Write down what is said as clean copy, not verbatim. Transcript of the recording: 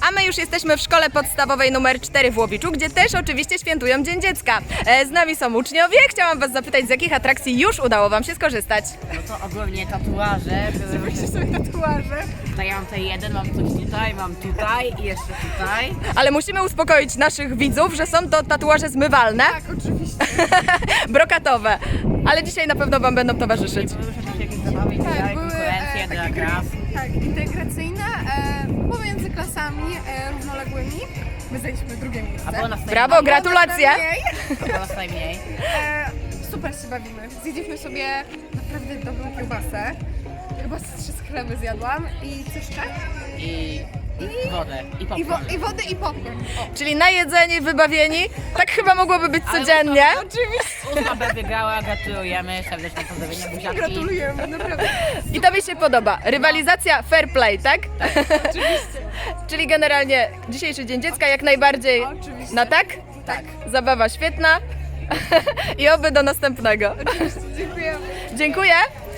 A my już jesteśmy w szkole podstawowej numer 4 w Łowiczu, gdzie też oczywiście świętują Dzień Dziecka. Z nami są uczniowie. Chciałam Was zapytać, z jakich atrakcji już udało Wam się skorzystać? No to ogólnie tatuaże. Zrobiliście sobie tatuaże. Tutaj ja mam tutaj jeden, mam coś tutaj, mam tutaj i jeszcze tutaj. Ale musimy uspokoić naszych widzów, że są to tatuaże zmywalne, Tak, oczywiście. brokatowe. Ale dzisiaj na pewno Wam będą towarzyszyć. Były też jakieś zabawy, Tak, były konkurencje dla takie klas. tak, integracyjne pomiędzy klasami równoległymi. My zajęliśmy drugie miejsce. A było nas Brawo, gratulacje! Było nas najmniej. Super się bawimy. Zjedliśmy sobie naprawdę dobrą kiełbasę. Chyba z 3 chleby zjadłam i co jeszcze? I wodę, i I, popcorn. i wody i popcorn. O. Czyli najedzeni, wybawieni. Tak chyba mogłoby być codziennie. Ósma B wygrała, gratulujemy, serdeczne pozdrowienia, buziaczki. Gratulujemy, naprawdę. I to mi się podoba. Rywalizacja fair play, tak? Oczywiście. Czyli generalnie dzisiejszy Dzień Dziecka jak najbardziej Oczywiście. na tak? Tak. Zabawa świetna. I oby do następnego. Oczywiście, dziękujemy. Dziękuję.